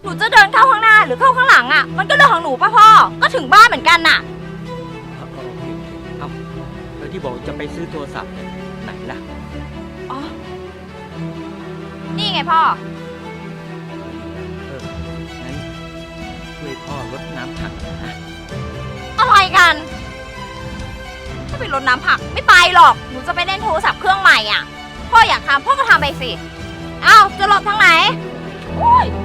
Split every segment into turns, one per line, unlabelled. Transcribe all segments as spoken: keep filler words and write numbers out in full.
หนูจะเดินเข้าข้างหน้าหรือเข้าข้างหลังอ่ะมันก็เรื่องของหนูป่ะพ่อก็ถึงบ้านเหมือนกันน่ะ
เอาเอาโอเคเอาแล้วที่บอกจะไปซื้อโทรศัพท์เนี่ยไหนล่ะ
อ๋อนี่ไงพ่อ
เอองั้นช่วยพ่อรดน้ำผักหน่อยนะ
อะไรกันถ้าไปรดน้ำผักไม่ไปหรอกหนูจะไปเล่นโทรศัพท์เครื่องใหม่อ่ะพ่ออยากทำพ่อก็ทำไปสิอ้าวจะหลบทางไหนโอ้ย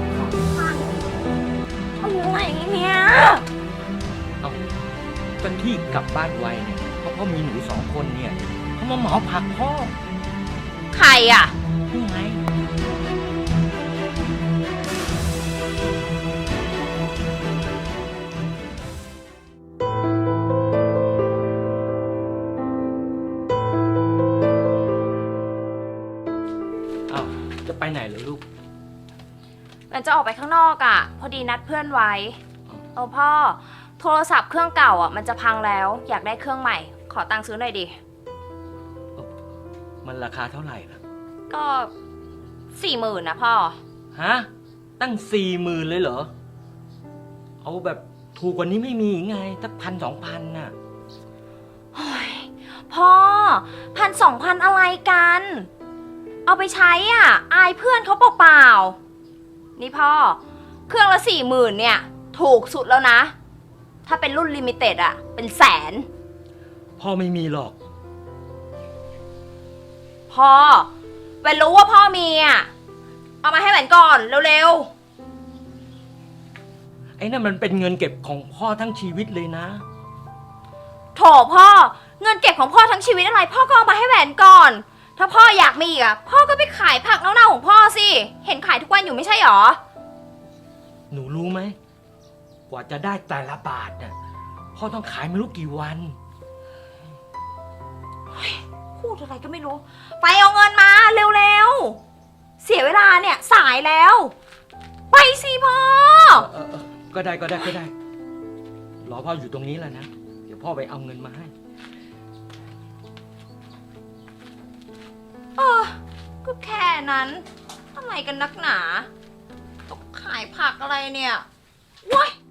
อะไรเนี่ย
เอากันที่กลับบ้านไวเนี่ยเพราะพ่อมีหนูสองคนเนี่ยเขามาเหมาผักพ่อ
ใครอ่ะ
นี่ไงเอาจะไปไหนเหรอลูก
มันจะออกไปข้างนอกอ่ะพอดีนัดเพื่อนไว้เออพ่อโทรศัพท์เครื่องเก่าอ่ะมันจะพังแล้วอยากได้เครื่องใหม่ขอตังค์ซื้อหน่อยดิ
มันราคาเท่าไหร่ล่ะ
ก็สี่หมื่นนะพ่อ
ฮะตั้งสี่หมื่นเลยเหรอเอาแบบถูกกว่านี้ไม่มีไงสักพันสองพันน่ะ
โอ้ยพ่อพันสองพันอะไรกันเอาไปใช้อ่ะอายเพื่อนเขาเปล่าๆนี่พ่อเครื่องละสี่หมื่นเนี่ยถูกสุดแล้วนะถ้าเป็นรุ่นลิมิเต็ดอ่ะเป็นแสน
พ่อไม่มีหรอก
พ่อแหวนรู้ว่าพ่อมีอ่ะเอามาให้แหวนก่อนเร็ว
ๆไอ้นั่นมันเป็นเงินเก็บของพ่อทั้งชีวิตเลยนะ
โถพ่อเงินเก็บของพ่อทั้งชีวิตอะไรพ่อก็เอามาให้แหวนก่อนถ้าพ่ออยากมีอีกอ่ะพ่อก็ไปขายผักเน่าๆของพ่อสิเห็นขายทุกวันอยู่ไม่ใช่หรอ
หนูรู้ไหมกว่าจะได้แต่ละบาทเนี่ยพ่อต้องขายไม่รู้กี่วัน
พูดอะไรก็ไม่รู้ไปเอาเงินมาเร็วๆเสียเวลาเนี่ยสายแล้วไปสิพ่อ
เออเออก็ได้ก็ได้ก็ได้รอพ่ออยู่ตรงนี้แหละนะเดี๋ยวพ่อไปเอาเงินมาให้
เออก็แค่นั้นอะไรกันนักหนาต้องขายผักอะไรเนี่ยว้าย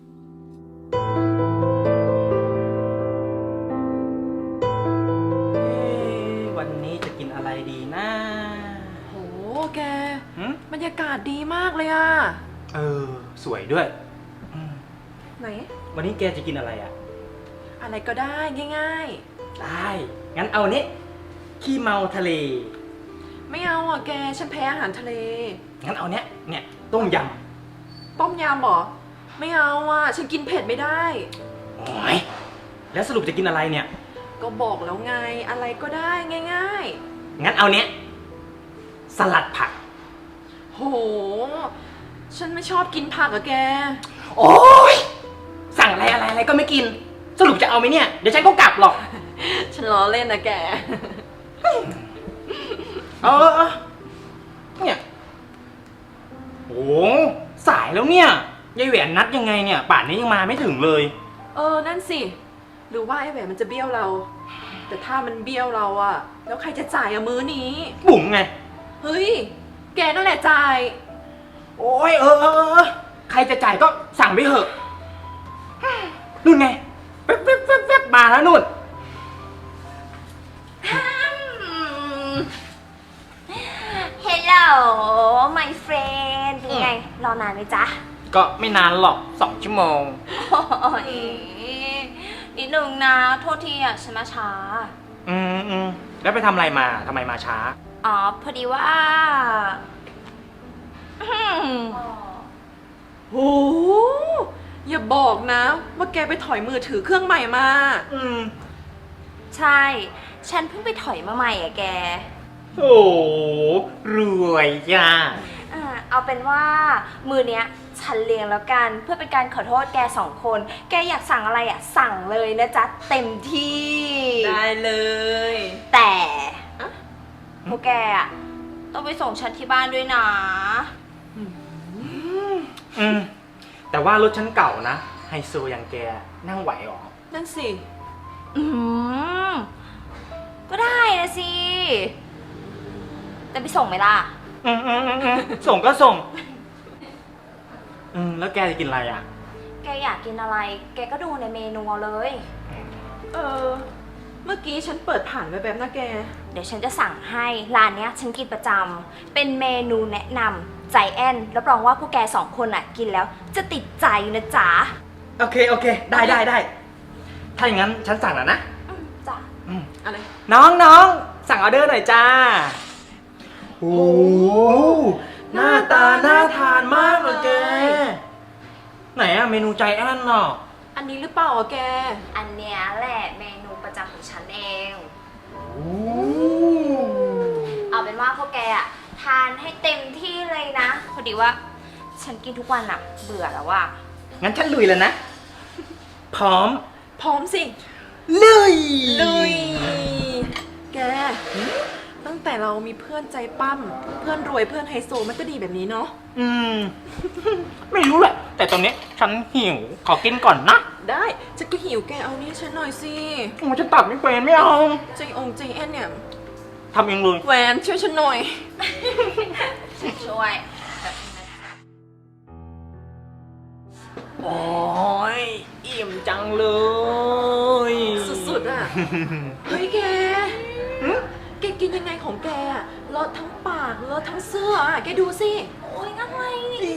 วันนี้จะกินอะไรดีนะ
โหแกบรรยากาศดีมากเลยอ่ะ
เออสวยด้วย
ไหน
วันนี้แกจะกินอะไรอ่ะ
อะไรก็ได้ง่าย
ๆได้งั้นเอานี้ขี้เมาทะเล
ไม่เอาอ่ะแกฉันแพ้อาหารทะเล
งั้นเอาเนี้ยเนี่ยต้มย
ำต้มยำเหรอไม่เอาอ่ะฉันกินเผ็ดไม่ได้
โอ้ยแล้วสรุปจะกินอะไรเนี่ย
ก็บอกแล้วไงอะไรก็ได้ง่าย
ๆงั้นเอาเนี้ยสลัดผัก
โหฉันไม่ชอบกินผักอะแก
โอ้ยสั่งอะไรอะไรอะไรก็ไม่กินสรุปจะเอาไหมเนี่ยเดี๋ยวฉันก็กลับหรอก
ฉันล้อเล่นนะแก
เออเนี่ยโอ้สายแล้วเนี่ยยายแหวนนัดยังไงเนี่ยป่านนี้ยังมาไม่ถึงเลย
เออนั่นสิหรือว่าไอ้แหวนมันจะเบี้ยวเราแต่ถ้ามันเบี้ยวเราอะแล้วใครจะจ่ายอะมื้อนี้
บุ๋มไง
เฮ้ยแกนั่นแหละจ่าย
โอ้ยเออเออใครจะจ่ายก็สั่งไปเถอะนู่นไงแว๊บแว๊บแว๊บแว๊บมาแล้วนู่น
Hello my friend เป็นไงรอนานไหมจ๊ะ
ก็ไม่นานหรอกสองชั่วโมง
โอ้ยนิดนึงนะโทษทีอ่ะฉันมาช้า
อืมอืมแล้วไปทำอะไรมาทำไมมาช้า
อ๋อพอดีว่า
โหอย่าบอกนะว่าแกไปถอยมือถือเครื่องใหม่มา
อืม
ใช่ฉันเพิ่งไปถอยมาใหม่อ่ะแก
โอ้รวยจ้า
อ่าเอาเป็นว่ามือเนี้ยฉันเลี้ยงแล้วกันเพื่อเป็นการขอโทษแกสองคนแกอยากสั่งอะไรอ่ะสั่งเลยนะจ๊ะเต็มที่
ได้เลย
แต่พวกแกอ่ะต้องไปส่งฉันที่บ้านด้วยนะ
อืมแต่ว่ารถฉันเก่านะไฮโซอย่างแกนั่งไหวหรอ
นั่นสิ
อืมก็ได้นะสิแต่ไปส่งไหมล่ะ
อืมอืมอืมส่งก็ส่งอืมแล้วแกจะกินอะไรอ่ะ
แกอยากกินอะไร แกก็ดูในเมนูเอาเลย
เออ เมื่อกี้ฉันเปิดผ่านไปแบบนะแก
เดี๋ยวฉันจะสั่งให้ร้านเนี้ยฉันกินประจำเป็นเมนูแนะนำใจแอนรับรองว่าพวกแกสองคนอ่ะกินแล้วจะติดใจนะจ๊ะ
โอเคโอเค ได้ได้ได้ถ้าอย่างนั้นฉันสั่งแล้วนะ
อืมจ้ะ
อืม
อะไร
น้องน้องสั่งออเดอร์หน่อยจ้าโอ้หน้าตาน่าทานมากเลยแก ไหนอะเมนูใจแอนเนาะ
อันนี้หรือเปล่าอะแก
อันเนี้ยแหละเมนูประจำของฉันเอง
โอ้
เอาเป็นว่าพวกแกอ่ะทานให้เต็มที่เลยนะ พอดีว่าฉันกินทุกวันอ่ะเบื่อแล้วว่า
งั้นฉันลุยแล้วนะ พร้อม
พร้อมสิ
ลุย
ลุย แก ตั้งแต่เรามีเพื่อนใจปั้ม เพื่อนรวยเพื่อนไฮโซมันก็ดีแบบนี้เนาะ
อืม ไม่รู้แหละ แต่ตอนนี้ฉันหิว ขอกินก่อนนะ
ได้ฉันก็หิวแกเอานี่ฉันหน่อยสิ
โอ้ฉันตัดไม่เป็นไม่เอา
ใจองใจแอนเนี่ย
ทำเองเลย
แหวนช่วยฉันหน่อย
ฉันช่วยแบบนี้นะ
โอ้ยอิ่มจังเลย
สุดๆอ่ะ เฮ้ยแก แกกินยังไงของแกอะเลอะทั้งปากเลอะทั้งเสื้ออะแกดูสิ
โอ้ยอะไร
อี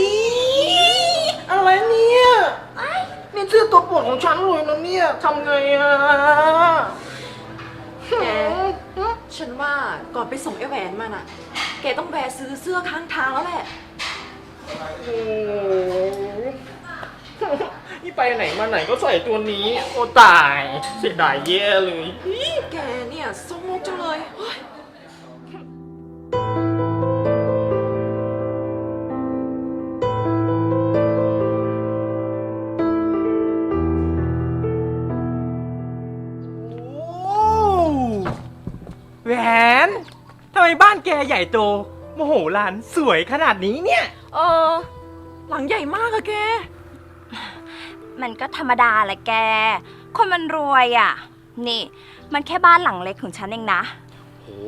อะไรเนี่ยนี่เสื้อตัวโปรดของฉันเลยนะเนี่ยทำไงอะ
แก ฉันว่าก่อนไปส่งไอ้แหวนมันอ่ะ แกต้องแวะซื้อเสื้อข้างทางแล้วแหละ
โอ้นี่ไปไหนมาไหนก็ใส่ตัวนี้ โอ้ตายเสียดายแย่เลย
แกเนี่ยสมมกจังเลยเฮ้ย
โอ้แหวนทำไมบ้านแกใหญ่โตโมโหลานสวยขนาดนี้เนี่ย
เออ หลังใหญ่มากอะแก
มันก็ธรรมดาแหละแก คนมันรวยอ่ะ นี่ มันแค่บ้านหลังเล็กของฉันเองนะ
โอ้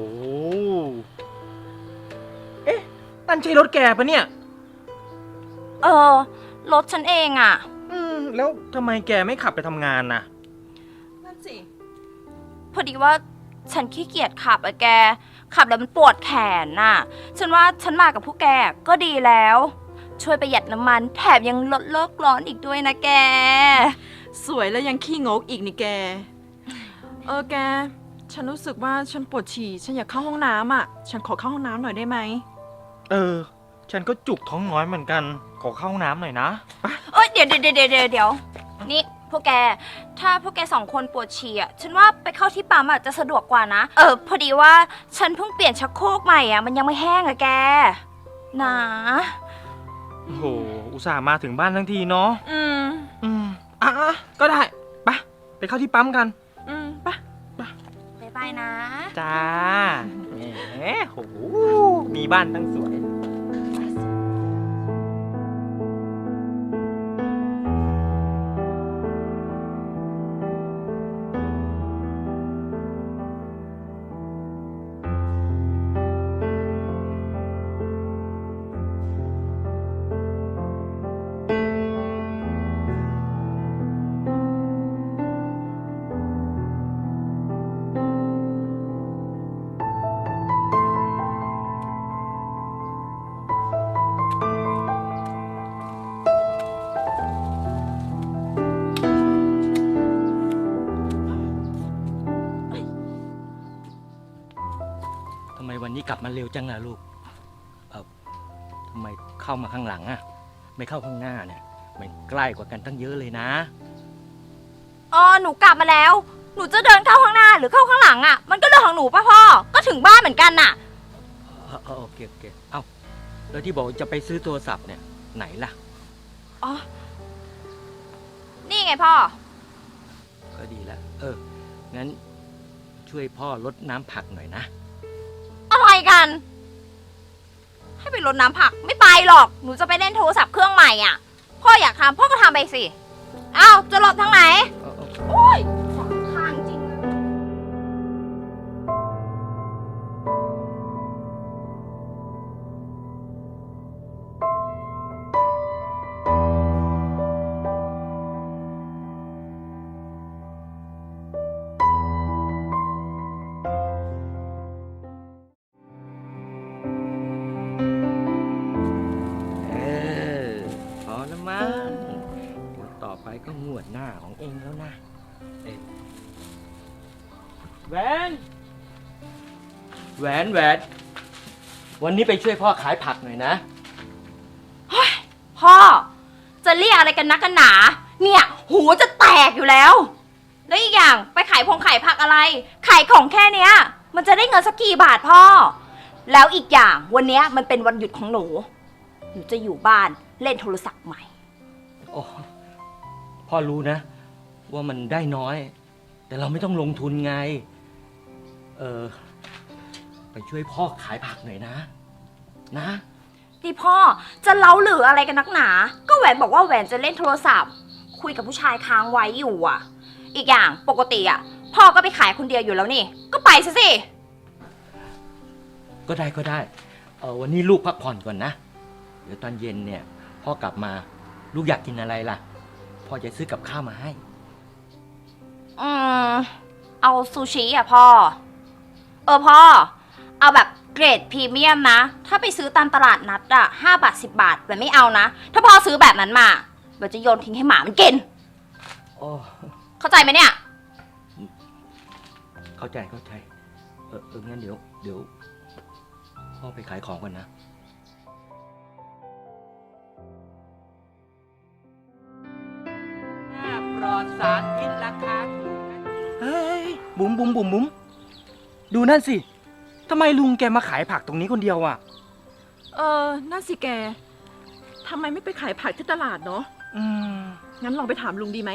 เอ๊ะนั่นใช่รถแกปะเนี่ย
เออ รถฉันเองอ่ะ
อืม แล้วทำไมแกไม่ขับไปทำงานน่ะ
นั่นสิ
พอดีว่าฉันขี้เกียจขับอะแก ขับแล้วมันปวดแขนน่ะ ฉันว่าฉันมากับพวกแกก็ดีแล้ว ช่วยประหยัดน้ำมันแถมยังลดโลกร้อนอีกด้วยนะแก
สวยแล้วยังขี้งกอีกนี่แก เออแก ฉันรู้สึกว่าฉันปวดฉี่ ฉันอยากเข้าห้องน้ำอ่ะ ฉันขอเข้าห้องน้ำหน่อยได้ไหม
เออ ฉันก็จุกท้องน้อยเหมือนกัน ขอเข้าห้องน้ำหน่อยนะไป
เอ้ยเดี๋ยวเดี๋ยวเดี๋ยวเดี๋ยวเดี๋ยวนี่พวกแก ถ้าพวกแกสองคนปวดฉี่อ่ะ ฉันว่าไปเข้าที่ปั๊มอ่ะจะสะดวกกว่านะ เออ พอดีว่าฉันเพิ่งเปลี่ยนชักโครกใหม่อ่ะ มันยังไม่แห้งอะแก นะ
โอ้โห อุตส่าห์มาถึงบ้านทั้งทีเนาะ
อืม
อืม อ่ะอ่ะก็ได้ ไป ไปเข้าที่ปั๊มกัน
อืมไปะ
บ๊ายบายนะ
จ้าแหมโห มีบ้านตั้งสวย ทำไมวันนี้กลับมาเร็วจังล่ะลูก เออทำไมเข้ามาข้างหลังอะไม่เข้าข้างหน้าเนี่ย มันใกล้กว่ากันตั้งเยอะเลยนะ
อ๋อ หนูกลับมาแล้ว หนูจะเดินเข้าข้างหน้าหรือเข้าข้างหลังอ่ะ มันก็เรื่องของหนูป่ะพ่อ ก็ถึงบ้านเหมือนกันน่ะ
เออเออโอเคโอเค เอ้า แล้วที่บอกจะไปซื้อโทรศัพท์เนี่ย ไหนล่ะ
อ๋อ นี่ไงพ่อ
ก็ดีแล้ว เออ งั้นช่วยพ่อลดน้ำผักหน่อยนะ
อะไรกัน ให้ไปรดน้ำผักไม่ไปหรอก หนูจะไปเล่นโทรศัพท์เครื่องใหม่อ่ะ พ่ออยากทำพ่อก็ทำไปสิ เอ้า จะหลบทางไหน
เออเออ
โอ้ยสองข้างจริงเลย
โอแล้วมั้งเดี๋ยวต่อไปก็งวดหน้าของเองแล้วนะเอ๊ะแหวนแหวนแหวนวันนี้ไปช่วยพ่อขายผักหน่อยนะ
พ่อ จะเรียกอะไรกันนักกันหนา เนี่ย หูจะแตกอยู่แล้ว แล้วอีกอย่างไปขายพงขายผักอะไร ขายของแค่เนี้ย มันจะได้เงินสักกี่บาทพ่อ แล้วอีกอย่างวันเนี้ยมันเป็นวันหยุดของหนู หนูจะอยู่บ้านเล่นโทรศัพท์ใหม่
โอ้พ่อรู้นะ ว่ามันได้น้อย แต่เราไม่ต้องลงทุนไง เออ ไปช่วยพ่อขายผักหน่อยนะ นะ
นี่พ่อจะเล้าหรืออะไรกันนักหนา ก็แหวนบอกว่าแหวนจะเล่นโทรศัพท์ คุยกับผู้ชายค้างไว้อยู่อ่ะ อีกอย่างปกติอ่ะ พ่อก็ไปขายคนเดียวอยู่แล้วนี่ ก็ไปซะสิ
ก็ได้ก็ได้ เออวันนี้ลูกพักผ่อนก่อนนะ เดี๋ยวตอนเย็นเนี่ย พ่อกลับมา ลูกอยากกินอะไรล่ะ พ่อจะซื้อกับข้าวมาให้
อืมเอาซูชิอ่ะพ่อ เออพ่อ เอาแบบเกรดพรีเมียมนะ ถ้าไปซื้อตามตลาดนัดอ่ะห้าบาทสิบบาทแบบไม่เอานะ ถ้าพ่อซื้อแบบนั้นมาแบบจะโยนทิ้งให้หมามันกิน
โอ้
เข้าใจไหมเนี่ย
เข้าใจเข้าใจ เออเอองั้นเดี๋ยว เดี๋ยว พ่อไปขายของก่อนนะ ปลอดสารพิษราคาถูกนะเฮ้ย บุ๋มบุ๋มบุ๋มบุ๋มดูนั่นสิ ทำไมลุงแกมาขายผักตรงนี้คนเดียวอ่ะ
เออนั่นสิแกทำไมไม่ไปขายผักที่ตลาดเนาะ
อืม
งั้นลองไปถามลุงดีไหม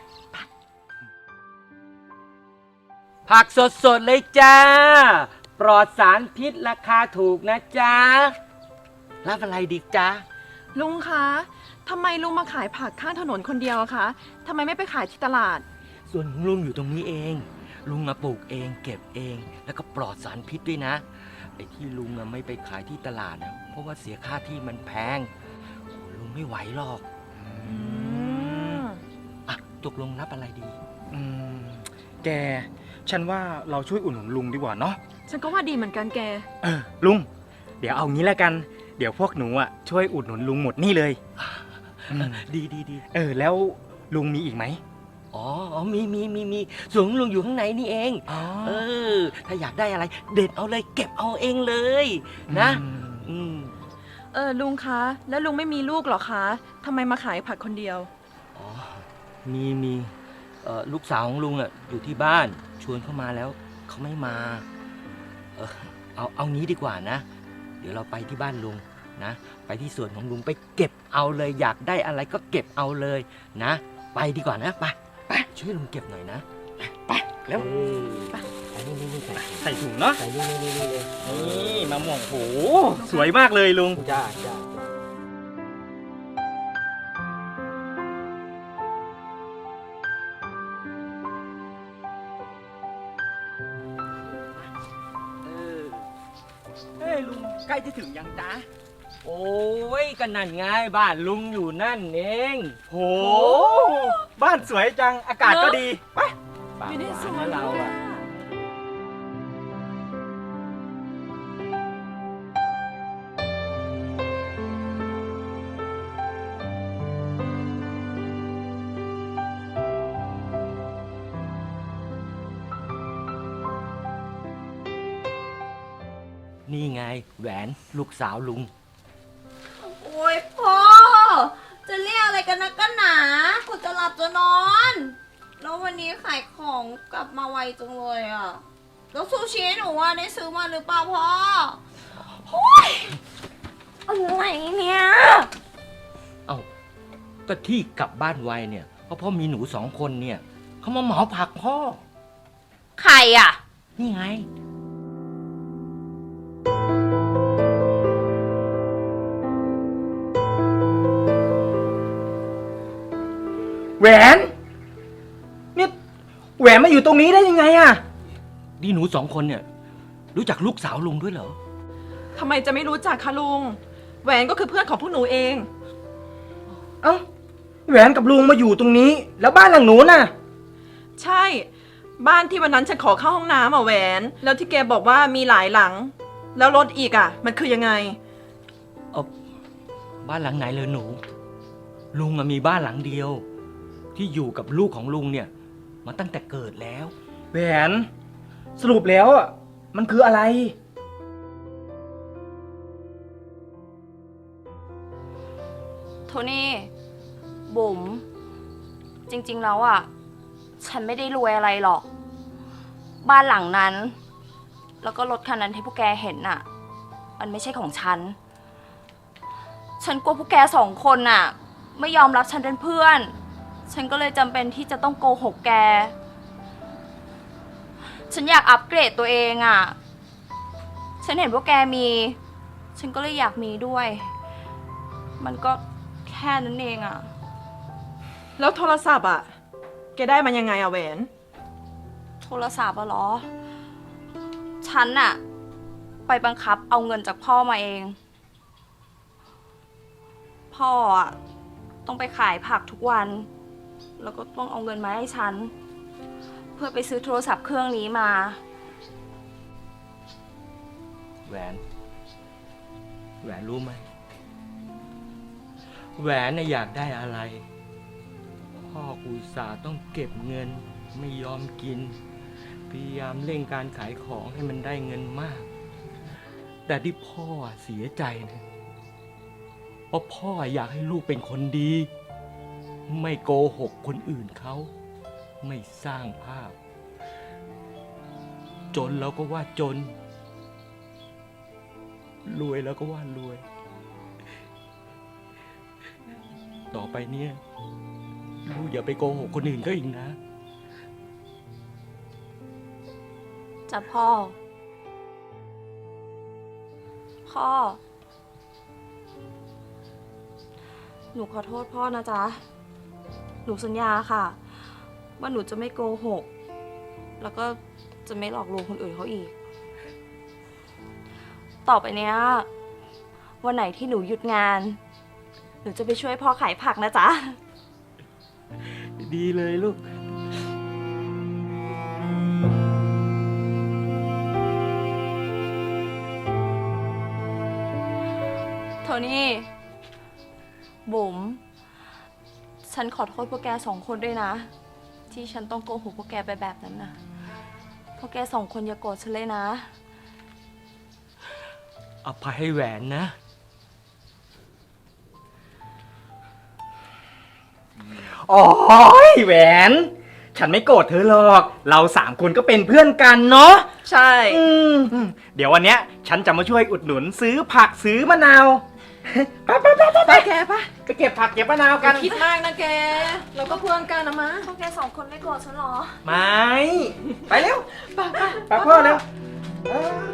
ผักสดๆเลยจ้า ปลอดสารพิษราคาถูกนะจ๊ะ รับอะไรดีจ๊ะ
ลุงคะทำไมลุงมาขายผักข้างถนนคนเดียวอะคะทำไมไม่ไปขายที่ตลาด
ส่วนของลุงอยู่ตรงนี้เอง ลุงมาปลูกเองเก็บเอง แล้วก็ปลอดสารพิษด้วยนะ ไอ้ที่ลุงอะไม่ไปขายที่ตลาดนะเพราะว่าเสียค่าที่มันแพงโอ้ลุงไม่ไหวหรอก
อืม
อ่ะตกลงรับอะไรดี
อืมแก ฉันว่าเราช่วยอุดหนุนลุงดีกว่าเนาะ
ฉันก็ว่าดีเหมือนกันแก
เออ ลุง เดี๋ยวเอางี้แล้วกัน เดี๋ยวพวกหนูอ่ะช่วยอุดหนุนลุงหมดนี่เลยอืม
ดีดีดี
เออ แล้วลุงมีอีกไหม
อ๋ออ๋อมีมีมีมีส่วนของลุงอยู่ข้างในนี่เอง
อ๋อ
เออ ถ้าอยากได้อะไร เด็ดเอาเลยเก็บเอาเองเลยนะ
อืม
อืม
เออลุงคะ แล้วลุงไม่มีลูกเหรอคะทำไมมาขายผักคนเดียว
อ๋อ มีมีเอ่อลูกสาวของลุงอ่ะอยู่ที่บ้านชวนเข้ามาแล้วเขาไม่มา เออเอาเอางี้ดีกว่านะ เดี๋ยวเราไปที่บ้านลุงนะ ไปที่สวนของลุงไปเก็บเอาเลย อยากได้อะไรก็เก็บเอาเลยนะ ไปดีกว่านะ ไปไปช่วยลุงเก็บหน่อยนะ
ไปแล้ว
เออไปไปนี่นี่นี่ใส่
ใส่ถุงเนาะ
ใส่นี่นี่นี่เลย
นี่มะม่วงโห สวยมากเลยลุง
จ้าจ้า
เออเฮ้ยลุงใกล้จะถึงยังจ๊ะ
โอ้ยก็นั่นไงบ้านลุงอยู่นั่นเอง
โห บ้านสวยจัง อากาศก็ดี ไป
ปาก
อยู่ใน
หวา
ส
น
วน
นะเรา
เลย
อะ
อะ
นี่ไงแหวนลูกสาวลุง
โอ้ยพ่อ จะเรียกอะไรกันนักกันหนากูจะหลับจะนอน แล้ววันนี้ขายของกลับมาไวจังเลยอ่ะ แล้วซูชิหนูว่าได้ซื้อมาหรือเปล่าพ่อโอ้ยอะไรเนี่ย
เอ้าก็ที่กลับบ้านไวเนี่ยเพราะพ่อมีหนูสองคนเนี่ยเขามาเหมาผักพ่อ
ใครอ่ะ
นี่ไง
แหวน นี่แหวนมาอยู่ตรงนี้ได้ยังไงอะ
นี่หนูสองคนเนี่ย รู้จักลูกสาวลุงด้วยเหรอ
ทำไมจะไม่รู้จักคะลุง แหวนก็คือเพื่อนของพวกหนูเอง
เอ้า แหวนกับลุงมาอยู่ตรงนี้ แล้วบ้านหลังหนูน่ะ
ใช่ บ้านที่วันนั้นฉันขอเข้าห้องน้ำอ่ะแหวน แล้วที่แกบอกว่ามีหลายหลัง แล้วรถอีกอ่ะ มันคือยังไง
เออบ้านหลังไหนเลยหนู
ก
ลุงอะมีบ้านหลังเดียว ที่อยู่กับลูกของลุงเนี่ยมาตั้งแต่เกิดแล้ว
แหวน สรุปแล้วอ่ะมันคืออะไร
โทนี่ บุ๋ม จริงๆแล้วอ่ะ ฉันไม่ได้รวยอะไรหรอก บ้านหลังนั้น แล้วก็รถคันนั้นที่พวกแกเห็นน่ะ มันไม่ใช่ของฉัน ฉันกลัวพวกแกสองคนน่ะ ไม่ยอมรับฉันเป็นเพื่อน ฉันก็เลยจำเป็นที่จะต้องโกหกแก ฉันอยากอัปเกรดตัวเองอ่ะ ฉันเห็นพวกแกมี ฉันก็เลยอยากมีด้วย มันก็แค่นั้นเองอ่ะ
แล้วโทรศัพท์อ่ะ แกได้มันยังไงอะแหวน
โทรศัพท์อะเหรอ ฉันน่ะ ไปบังคับเอาเงินจากพ่อมาเอง พ่ออะต้องไปขายผักทุกวัน แล้วก็ต้องเอาเงินมาให้ฉัน เพื่อไปซื้อโทรศัพท์เครื่องนี้มา
แหวน แหวนรู้ไหม แหวนน่ะอยากได้อะไร พ่ออุตส่าห์ต้องเก็บเงินไม่ยอมกิน พยายามเร่งการขายของให้มันได้เงินมาก แต่ที่พ่อเสียใจนะเพราะพ่ออยากให้ลูกเป็นคนดี ไม่โกหกคนอื่นเขา ไม่สร้างภาพ จนแล้วก็ว่าจน รวยแล้วก็ว่ารวย ต่อไปเนี่ยลูกอย่าไปโกหกคนอื่นก็อีกนะ
จ้ะพ่อ พ่อ หนูขอโทษพ่อนะจ๊ะ หนูสัญญาค่ะ ว่าหนูจะไม่โกหก แล้วก็จะไม่หลอกลวงคนอื่นเขาอีก ต่อไปเนี้ย วันไหนที่หนูหยุดงาน หนูจะไปช่วยพ่อขายผักนะจ๊ะ
ดีเลยลูก
โทนี่ บุ๋ม ฉันขอโทษพวกแกสองคนด้วยนะ ที่ฉันต้องโกหกพวกแกไปแบบนั้นนะพวกแกสองคนอย่าโกรธฉันเลยนะ
อภัยให้แหวนนะ
อ๋อแหวน ฉันไม่โกรธเธอหรอก เราสามคนก็เป็นเพื่อนกันเนาะ
ใช่
อืมอืมเดี๋ยววันเนี้ย ฉันจะมาช่วยอุดหนุนซื้อผักซื้อมะนาว ไปไปไปไป
ไปแกปะ
ไปเก็บผักเก็บมะนาว
อ
กั
ย่าน คิดมากนะแก เราก็เพื่อนกันนะมะ
พวกแกสองคนไม่โกรธฉันหรอ
ไม่ ไปเร็ว
ไปไป
ไปพ่อเร็วเออ